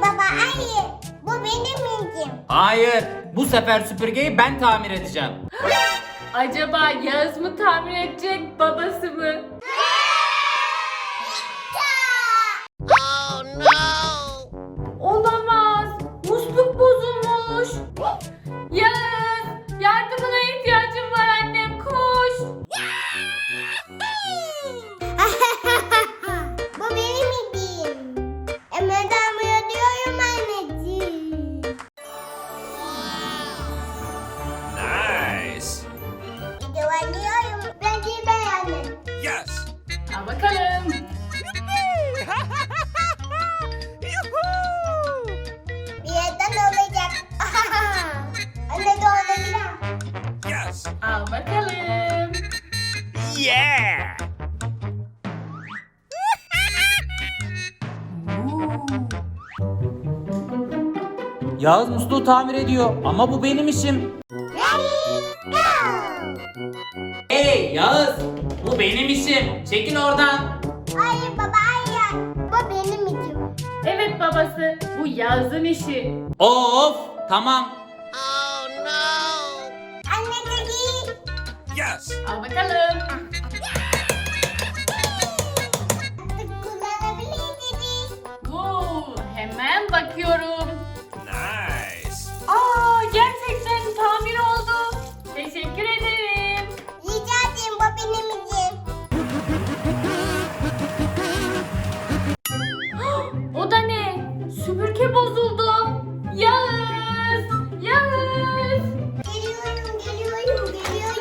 baba hayır. Bu benim ilgim. Hayır, bu sefer süpürgeyi ben tamir edeceğim. Acaba Yağız mı tamir edecek, babası mı? Oh no. Olamaz. Musluk bozulmuş. Yağız, yardımına ihtiyacım var annem, koş. Bu benim ilgim. Hemen tamir ediyorum anneciğim. Nice. Videolanıyorum. Bence beğendim. Yes. Al bakalım. Bir yerden olacak. Anne de olabilir. Yes. Al bakalım. Yeah. Yağız musluğu tamir ediyor ama bu benim işim. Ready, go. Hey Yağız, bu benim işim. Çekil oradan. Hayır baba hayır. Bu benim ilgim. Evet babası, bu Yağız'ın işi. Of, tamam. Anne de değil. Yes. Al bakalım. Artık kullanabilirsiniz. Hemen bakıyorum. Nice. Aa, gerçekten tamir oldu. Teşekkür ederim. Rica ederim bu benim ilgim. O da ne? Süpürge bozuldu. Yağız! Yağız! Geliyorum.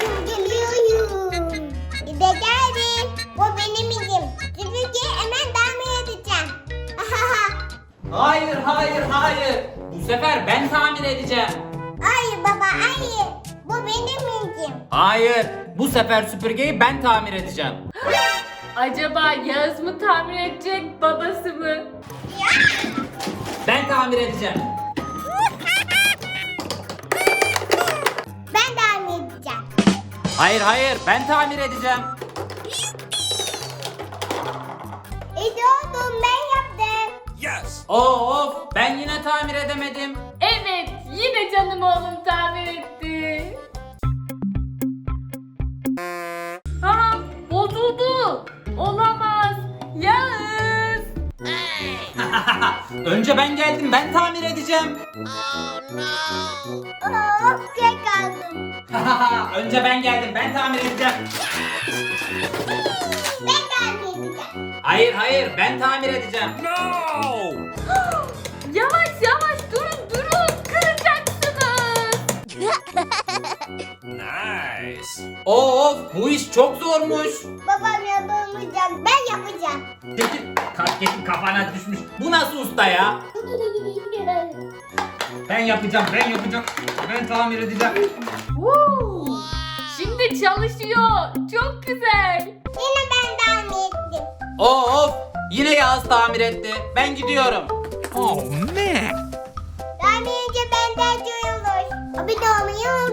Bir de geldim. Bu benim ilgim. Süpürgeyi hemen tamir edeceğim. Hayır, hayır, hayır. Bu sefer ben tamir edeceğim. Hayır baba hayır. Bu benim ilgim. Hayır, bu sefer süpürgeyi ben tamir edeceğim. Acaba Yağız mı tamir edecek, babası mı? Ben tamir edeceğim. Ben tamir edeceğim. Hayır, hayır, ben tamir edeceğim. Oğlum ben yaptım. Yes. Of, ben yine tamir edemedim. Evet, yine canım oğlum tamir etti. Aa, bozuldu. Olamaz. Yağız! Önce ben geldim, ben tamir edeceğim. Tek kaldım. Önce ben geldim, ben tamir edeceğim. Ben tamir edeceğim. Hayır, hayır, ben tamir edeceğim. No. Yavaş yavaş durun, kıracaksınız. Nice. Of, bu iş çok zormuş. Babam yapamayacak. Ben yapacağım. Çekil, kasketin kafana düşmüş. Bu nasıl usta ya? Ben yapacağım, ben tamir edeceğim. Woo! Şimdi çalışıyor. Çok güzel. Yine ben tamir ettim. Of, yine Yağız tamir etti. Ben gidiyorum. Oh man. Tamir edince benden duyulur. Abone olmayı